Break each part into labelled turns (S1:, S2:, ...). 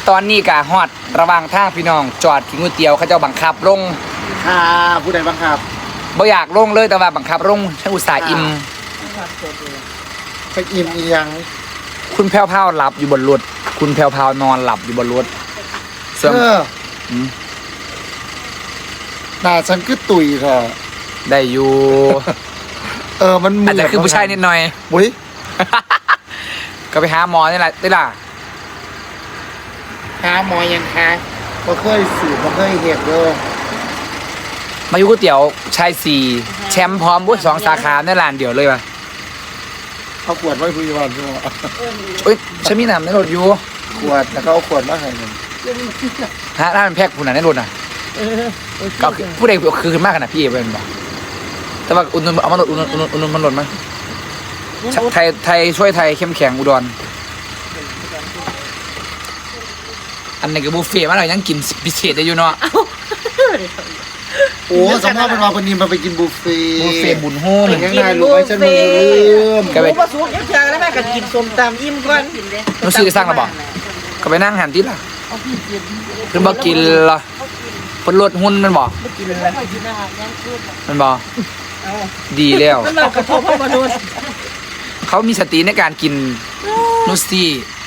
S1: ตอนนี้กะฮอดระหว่างทางพี่น้องจอดกินก๋วยเตี๋ยวเขาเจ้าบังคับลง
S2: ค่ะผู้ใดบังคับ
S1: บ่อยากลงเลยแต่ว่าบังคับลงฉันอุตส่าห์อิ่ม
S2: ไปอิ่มอีหยัง
S1: คุณแพ้วๆหลับอยู่บนรถคุณแพ้วๆนอนหลับอยู่บนรถ
S2: เสื้อหน้าฉันคือตุ๋ยเถอะ
S1: ได้อยู่
S2: มัน
S1: อาจจะคือผู้ชายนิดหน่อย
S2: บุ้ย
S1: ก็ไปหาหมอนี่แหละได้ล่ะ
S2: หาหมอยังคะบ่เคยสืบบ่เคยเห็นเลย
S1: มาอยู่ก๋วยเตี๋ยวชาย4แชมป์พร้อมบุ้ย2สาขาในร้านเดียวเลยว่ะ
S2: เอาขวดไว้คุยวันใช่ไหม
S1: ฉันมีน้ำในรถอยู่
S2: ขวดแล้วก็เอาขวดมาให้หนึ่ง
S1: ฮะร้านแพ็คผู้นั้นในรถน่ะก็ผู้ใดคือขึ้นมากขนาดพี่เอเป็นบอกแต่ว่าอุ่นเอามาลดอุ่นมันลดมั้ยไทยช่วยไทยเข้มแข็งอุดรอันนี้ก็บุฟเฟ่ต์มาหน่อยยังกินพิเศษได้อยู่เนาะ
S2: โอ้สมมติเป็นว่าคนนี้มาไปกินบุฟเฟ่
S1: บุญโฮม
S2: ยังไงรู้ไหมฉันลืม
S3: ก็ไปผสมยังเชียงแล้วแม่ก็กินส้มตำอิ่มก่อน
S1: รู้สึกสร้างระบอกก็ไปนั่งหันที่ล่ะเพิ่นบอกกินละเพิ่นลดหุ้นมันบอกมันบอกดีแล้ว
S3: มันกระทบมาโดน
S1: เขามีสติในการกินนูซี่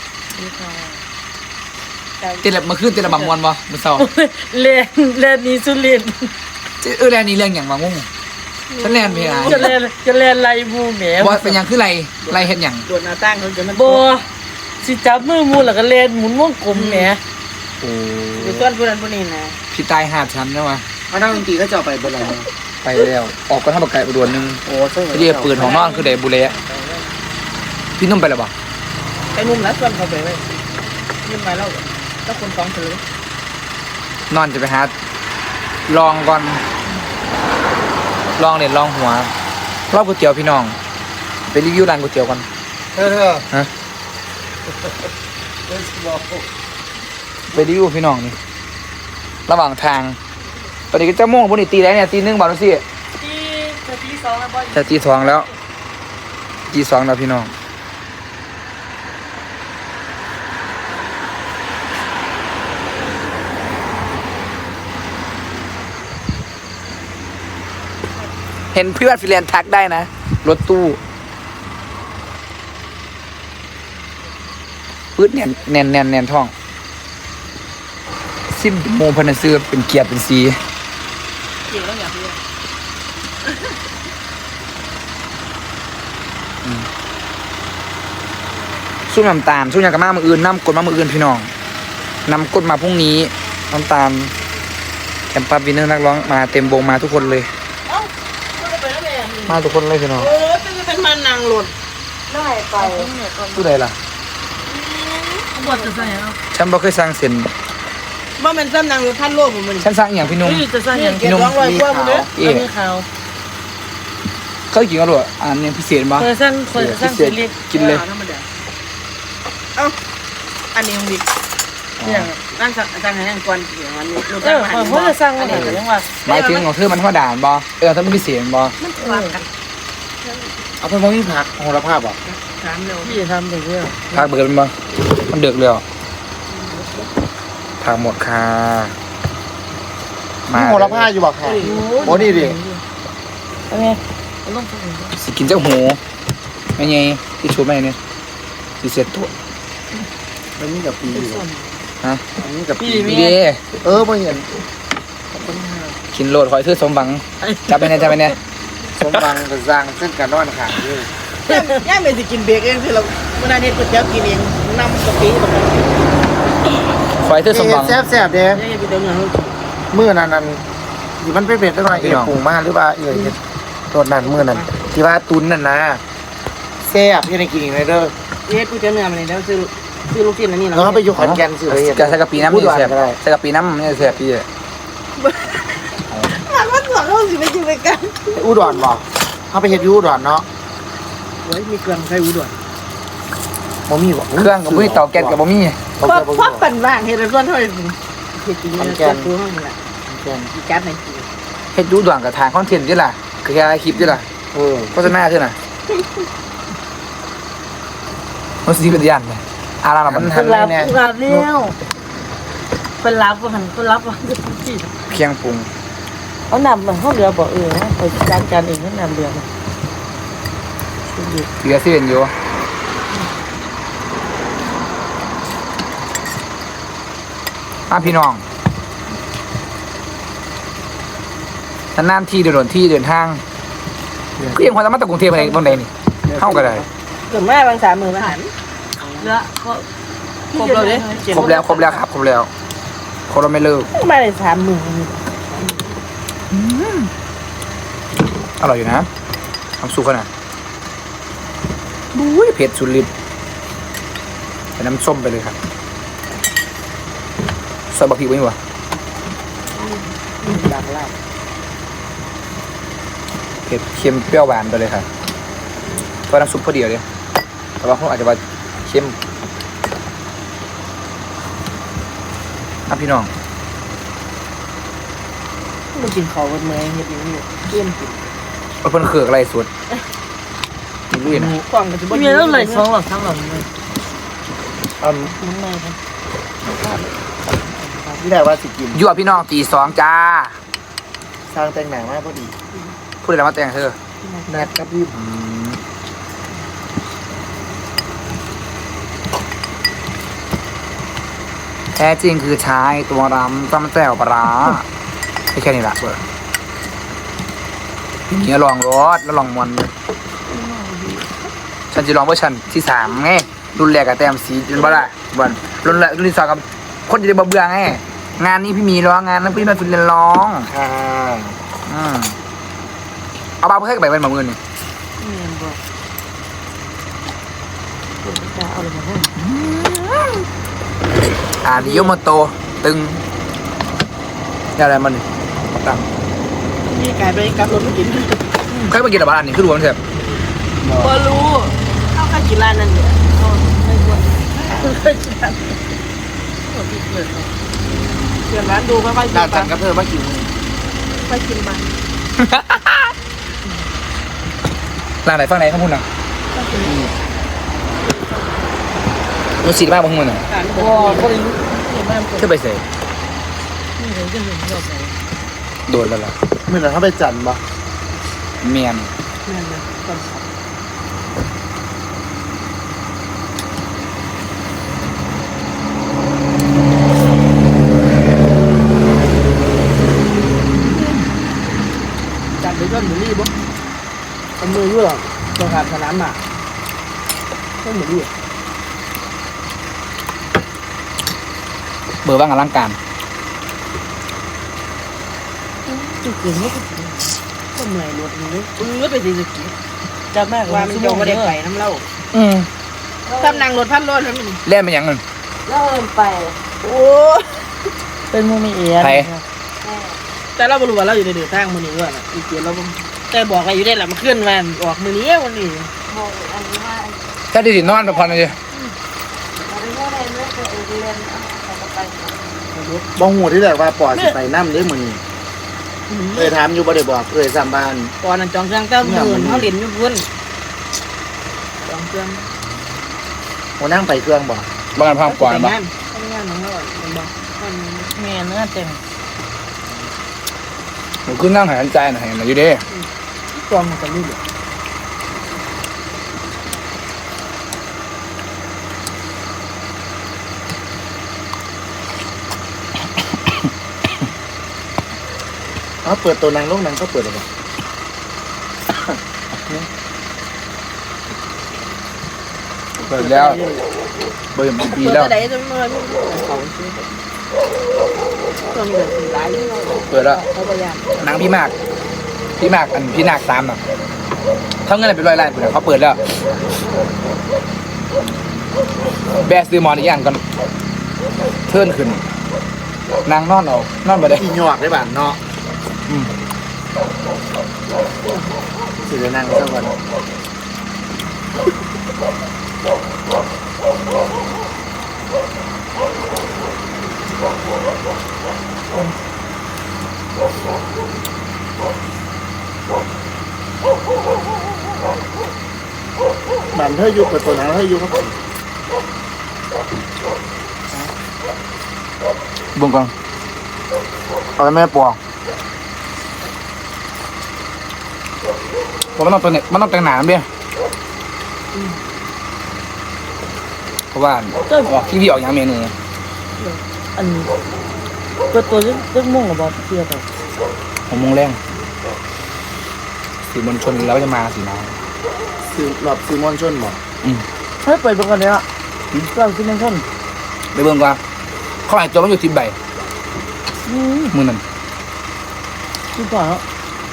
S1: เต้นแบบเมื่อคืนเต้นแบบมวนบ่เมื่อเช้า
S3: เล่นนี้สุรินทร์
S1: แลนนี้เรื่องอย่างมางงฉันแลนเพลง
S3: จะเล่นไรบูแหม
S1: ว่าเป็นอย่างคือไรเห็นอย่าง
S3: โดนหน้าตั้งเขาจะมันโบสิจับมือมูแล้วก็เล่นหมุนวงกลมแหม
S1: โอ้
S3: ดูต้นผู้นั้นผู้นี้นะ
S1: พี่ตายหาชั้นนะวะ
S2: มานั่งดนตรีก็จะไปบนอะไร
S1: ไปแล้วออกก็ทำบักไก่อุดรนึง
S2: โอ้ใช่
S1: เรียกปืนของน้องคือเดบุเล่พี่นุ่มไปแล้วบ่
S3: ไอ้นุ่มแล้วส่วนเขาไปไว้ยืมมาแล้วคนฟ้องถือน
S1: อนจะไปหาลองก่อนลองเด็ดลองหัวรอบก๋วยเตี๋ยวพี่น้องไปรีวิวร้านก๋วยเตี๋ยวก่อนฮะไปรีวิวพี่น้องนี่ระหว่างทางตอนนี้ก็จะม่วงพวกนี้ตีแล้วเนี่ยตี 1บ่าวดูสิ
S3: ตี 2แล้วบ่
S1: จะตี 2แล้วตี 2แล้วพี่น้องเห็นเพื่อนฟิแลนซ์ทักได้นะรถตู้ปื๊ดแน่นท้องซิมโมพันธุ์ซื้อเป็นเกียร์เป็นสี
S3: เกี่ยวแล้วอย่างเดียว
S1: สู้น้ำตาลสู้ยางกระมามืออื่นน้ำกดมามืออื่นพี่น้องนำกดมาพรุ่งนี้น้ำตาลแคมปัสวินเนอร์นักร้องมาเต็มวงมาทุกคนเลยมาทุกคนเลยพี่น้อง
S3: เป็นมันนางหลุดได้ไป
S1: ผู้ใดล่ะ
S3: บทจะใส่เอา
S1: ฉันบ่เคยสร้างเส้น
S3: ว่ามันซ้ำนางหรือท่านโลกผมมัน
S1: ฉันสร้างอย่างพี่นุ่ม
S3: จะสร้างอย่างพี่นุ่มมีขาว
S1: เขากินกันหรออันนี้พิเศษมั้ย
S3: เคยสร้าง
S1: กินเลย
S3: เอ้าอันนี้ของบิ๊กเนี่ยนั่งสั่งให้นั่งก่อนอย่างนั้นรู้จักไหมเขาจะสร้างอะไรยังว่า
S1: หมายถึงของเธอมันธรรมดาบ่ถ้ามันพิเศษบ่
S2: เอาไปมองที่ผักโหระพาบ่
S3: พี่ทำอย่างเงี้ย
S1: ผักเบิดมันบ่มันเดือดเลยผักหมดค่ะ
S2: มาโหระพาอยู่บ่ค่ะโอ้นี่ดิ
S1: สิกินเจ้าหูไม่ไงที่ชูไม่เนี่ยสิเสร็จตัว
S2: มันนี่กับปี
S1: ฮะ
S2: นี่กับปี
S1: ดี
S2: มาเห็น
S1: กินโลดหอยซื้อสมบังจับไปเนี่ย
S2: สมบังกับจางเส้นกันนอนขาดด้วย
S3: ย่าไม่จะกินเบรกเองคือเราเมื่อนี้ก๋วยเตี๋ยวกินเองน้ำกะปิแบบนั้น
S1: หอยซื้อสมบัง
S2: แซ่บเด้เมื่อนั้นที่มันเป็นได้หน่อยปรุงมาหรือว่าตัวนั้นเมื่อนั้นที่ว่าตุนนั่นนะแซ่บยังได้กินอีกเลยเด้อ
S3: ก๋วยเตี๋ยวเนื้อมันนี่แล้วซื้อลูกชิ้นอันนี้นะ
S2: แล้วไปอยู่ขอนแก่นซื้อ
S1: จะใส่กะปิน้ำนี่แซ่บใส่กะปิน้ำนี่แซ่บพี่
S3: มันว่าสอนเราสิไม่จริงไปกัน
S2: อุดรบอกเขาไปเฮ็ดยูอุดรเนาะ
S3: โอ้ยมีเครื่องใช้อุดร
S2: บ่มีบ่
S1: เครื่องกับบ่มีเตาแก๊สกับบ่มี
S3: เพราะปั่นว่างเฮ็ดส่วนเท่าไหร่เฮ็ดจริงๆตัวตัวห้องนี่แหละอีกัดใน
S1: เฮ็ดยูด่วนกับทางคอนเทนต์นี่ล่ะคือแค่คลิปนี่ล่ะโฆษณาใช่น่ะมันสิเป็นยันเลยอารามัน
S3: หันเนี่ยเป็นรับว่าหันเป็นรับว่าที่
S1: เคียงปรุง
S3: เขานำมาเขาเรือบอกไปจัดการเองเขานำเรือมา
S1: เหลือเส้นอยู่พี่น้องนานๆที่เดินที่เดินทางก็ยังพอจะมาตะกรุงเทพอะไรบางใดนี่เข้ากันได้
S3: เกิดแม่บาง30,000อาหารเรือก็ครบแล้ว
S1: ครบแล้วครับครบแล้วครบแล้วไม่เลิก
S3: มาเลย30,000
S1: อร่อยอยู่นะทำสุกขนาดบุ้ยเผ็ดสุดฤทธิ์ใส่น้ำส้มไปเลยครับใส่บะพริกไว้ดีกว่า
S3: ดังล่า
S1: เผ็ดเค็มเปรี้ยวหวานไปเลยครับเพราะน้ำซุปพอดีเลยแต่ว่าเขาอาจจะว่าเค็มพี่น้อง
S3: มากินข้าวกันเมื่อเห็ดอย่างนี้เกี่ยมกิน
S1: เพิ่นเขือกอะไรสุดกินลุยนะ
S3: กล่องก็จะบ่มีแล้วเลย2 หลอด 3 หลอดเลย
S2: อืม
S3: น้ำมันครับ
S2: ที่ได้ว่าสิกิน
S1: ยั่วพี่น้องตี2จ้า
S2: สร้างแต่งหนังมากพอดี
S1: พูดอะไรมาแต่งเธอ
S2: แนทกับพี่
S1: แท้จริงคือชายตัวรำจำแจ่วปลาร้าไม่แค่นี้ละเบอร์นี่ลองรสแล้วลองมวนฉันจะลองเวอร์ชันที่3ไงรุ่นแรกกับแต้มสีเป็นบ่ละบอลรุ่นที่2กับคนจะได้เบื่อไงงานนี้พี่มีร้องงานนั้นพี่มาฝึกเรียนร้อง
S2: ค่ะ
S1: เอาบ้าเพื่อให้กับใบเป็นหมาเงินนี่
S3: นี่บอกจะเอาอะไรมาให้
S1: ดิโยโมโตตึงอะไรมันตั้ง
S3: มีไก่ไปกับรถไม่กิน
S1: ใครมากินอะไรบ้านนี่คือรวมเถอะ
S3: บ่รู้เข้ากันกินร้านนั่นเนี่ยไม่ควรเคยกินร้านเดี๋ยวร้านดูค่อยๆกิน
S2: ดาว
S3: ไป
S2: จันกับเธอมากิน
S3: ค่อยกินไป
S1: ร้านไหนฝั่งไหนข้างบนน่ะมันสีมากบางคนน่ะ
S3: การบ่บ่ได้เห็นบ้านคน
S1: เชื่อไปเสย
S3: นี่เห็นก็เห็นเราใส่
S1: โดนแล้วล่ะ
S2: เมื่อไหร่เขาไปจันบ่
S1: เมียน
S3: นั่นนะก่อนสับ จัดไปจนหมูรี่บ่ทำมืออยู่หรอกตัวขาดสนามหมาก็หมูรี่
S1: เบอร์ว่างกับร่างการ
S3: จุกเกินไม่ก็ก็เหนื่อยรถนี้ไปสิสกีจะมากว่ามันโยงไม่ได้ไปน้ำเล่าทำนางรถพันรถแล้วมัน
S1: เล่นเป็นยังไง
S3: เริ่มไปโอ้เป็นมูมีเอีย
S1: ใคร
S3: แต่เราบรู้ว่าเราอยู่ในเดือดทางมือนี้ว่าน่ะอีเกียเราแต่บอกอะไรอยู่ได้แหละมันเคลื่อนวันออกมือนี้วันนี้
S4: บอกอันนี้ว่า
S1: ถ้าได้สินอนไปพอนะจ๊ะ
S4: เราไปว่าอะไรเมื่อเรียนเอาไป
S2: บ้องหูที่แรกว่าปอดสิไปน้ำเด้อมื้อนี้ถามอยู่บ่ได้บอกสามบ้าน
S3: ก่อนนั้นจองเครื่องเต้าหมื่นเขาเรียนอยู่พุ่นจองเครื่อง
S2: หัวนั่งไปเครื่องบ่
S1: บ้านพังก่อนบ้าง
S3: ทำงานของเราเป็นบอกแม่เนื้อเต็ม
S1: ผมขึ้นนั่งหายใจหน่อยอยู่ดิ
S3: จองมันจะรู้เลย
S2: เปิดตัวนางลงนางก็เปิดแล้วบ่
S1: เปิดแล้วเบอร์ปีแล้ว
S3: จะได้จำนวนเขาซื้อจนเดือดร้าย
S1: เปิดแล้ว
S3: เขาพยายาม
S1: นางพี่มากอันพี่นาคตามน่ะเท่าเงินเป็น100 ล้านเปิดเขาเปิดแล้วแบสซื้อมอนอีกอย่างก่อนเทิร์นขึ้นนางนอนเอานอนไปได้
S2: อีหยอกได้บ้านเนาะ
S1: อืม
S2: สิได้นั่งซะก่อนบ้านเธออยู่เปิดตัวนางเธออยู่ครับ
S1: บุ้งก่อนเอาไปแม่ปอกผมมันต้องตัวเนี่ยมันต้องแต่งหนามด้วยเพราะว่าออกที่พี่ออกอย่างเมนู
S3: อันตัวเรื่องม่วงกับบอสเทียบไป
S1: 6 โมงแรงสื่อมวลชนแล้วจะมาสินะ
S2: ซื้อหลอบซื้อมอนชนบอก
S3: เฮ้ยเปิดเบิ่งกันเลยอ่ะเราซื้อมันชน
S1: ไปเบิ่งว่าเขาหายตัวมันอยู่ที่ใบมือนั่น
S3: คือก่อนแล้ว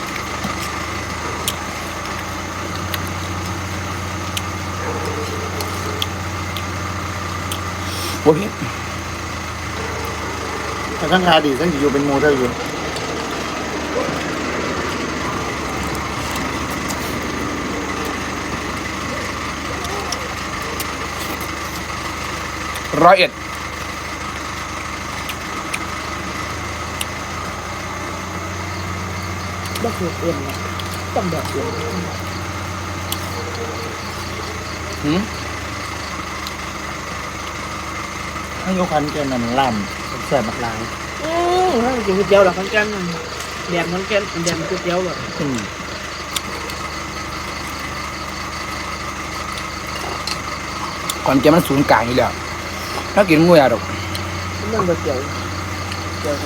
S1: โอ้พี่
S2: แต่ทั้งคาดีทั้งอยู่เป็นโมเตอร์อยู่
S1: 101
S3: ต้องเอ็นนะต้องแบบเอ็น
S1: หืม
S2: ให้ยกคันแกนั่นล่ำแสบบักลาย
S3: ถ้ากินก๋วยเตี๋ยวหรอข้างกันแดมข้างกันแดมก๋วยเตี๋ยวหรอ
S1: ก่อนแกมันศูนย์กลางอยู่แล้วถ้ากินงูยาดอก
S3: เรื่องก๋วยเตี๋ยวเตี๋ยว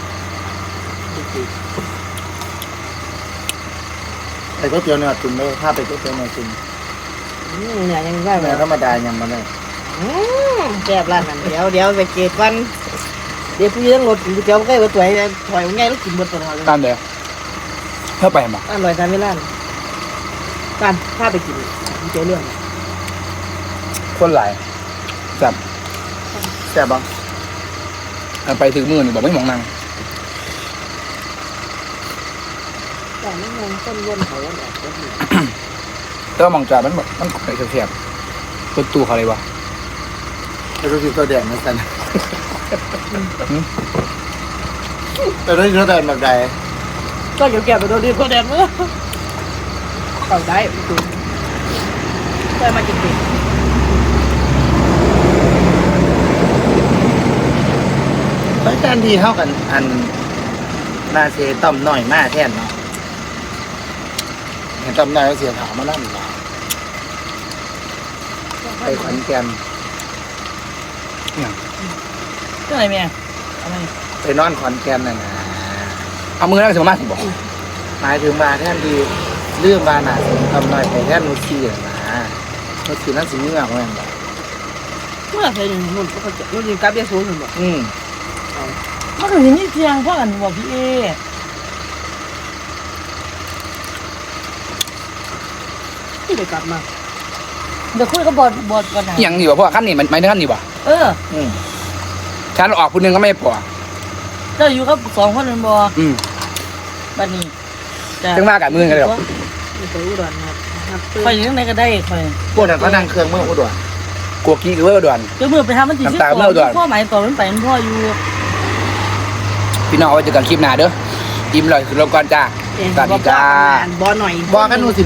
S2: ไอ้ก๋วยเตี๋ยวเนื้อตุนเลยถ้าไปก๋วยเตี๋ยวเนื้อตุน
S3: เนี่ยยังได้ไหม
S2: เนื้อธรรมดายังมาได้
S3: แซ่บร้านนั้นเดี๋ยวไปเกตวันเดี๋ยวพี่ต้องรถกินก๋วยเตี๋ยวใกล้กับตัวไอ้ถอยง่ายแล้วกินหมดตัวเลย
S1: ตามเดียวเพื่อไปมา
S3: อร่อยทานไม่ร้านการถ้าไปกินก๋วยเตี๋ยวเรื่อง
S1: คนหลายจับ
S2: แสบบ้าง
S1: ไปถึงมือนี่บอกไม่มองนาง
S3: แต่ไม่มองต้นวนเขาแบบก็ดี
S1: แต่ว่ามองจ่ามันแบบมันไอ้แคบๆตัวตู้เขาเลยวะ
S2: ไอ้ตัวสีตัวแดงนั่นสันแต่ตัวสีตัวแดงแบบใด
S3: ก็เกี่ยวแก่ไปโดนดีก็แดงเมื่อเอาได้ดูได้มาจริง
S2: ไม่แทนที่เท่ากันอันนาเซต้อมหน่อยมาแทนเนาะเห็นต้อมหน่อยเสียถามมานั่นมาไปขอนแก่น
S3: ก็อะไรแม่อะไร
S2: ไปนอนขอนแก่นน่ะนะ
S1: เอามือนั่งสมาธิบอก
S2: หมายถึงมาแทนที่เรื่องมาหนาเสียต้อมหน่อยไปแทนนุชีน่ะนะนุชีนั่นสิเงื่อแม่นบ่
S3: เมื่อเคยอยู่นู่นก็จะนู่นอยู่กับเบียร์ซูนย์บอก
S4: มันถึงนี่เพียงเพราะกันบอกพี่เอ
S3: ที่ไปกลับมา
S4: เดี๋ยวคุยกับบอดก่อนนะ
S1: อย่างนี้วะเพราะว่าขั้นนี้มันไม่ได้ขั้นนี้วะ
S4: เออ
S1: ฉันออกคนนึงก็ไม่พอ
S4: เจ้าอยู่กับ2 คนเป็นบอบัดนี้
S1: ถึงมากับมือกันเลยหรอ
S3: ไปอุดรครับ
S4: คอยอยู่ไหนก็ได้คอย
S2: พวกนั้นเขานั่งเครื่องเมื่ออุดร
S1: กลัวกี้คือว่าด่วน
S4: เดี๋ยวมือไปทำมันจี
S1: น้ำตาเมื่อก่อน
S4: พ่อหมายต่อมันไปมันพ่ออยู่
S1: พี่น้องเอาไว้เจอกันคลิปหน้าเด้ออิ่มเลยคือเราก่อนจ้าสวัสดีจ้า
S3: บอหน่อย
S2: บอกกันหนูสิ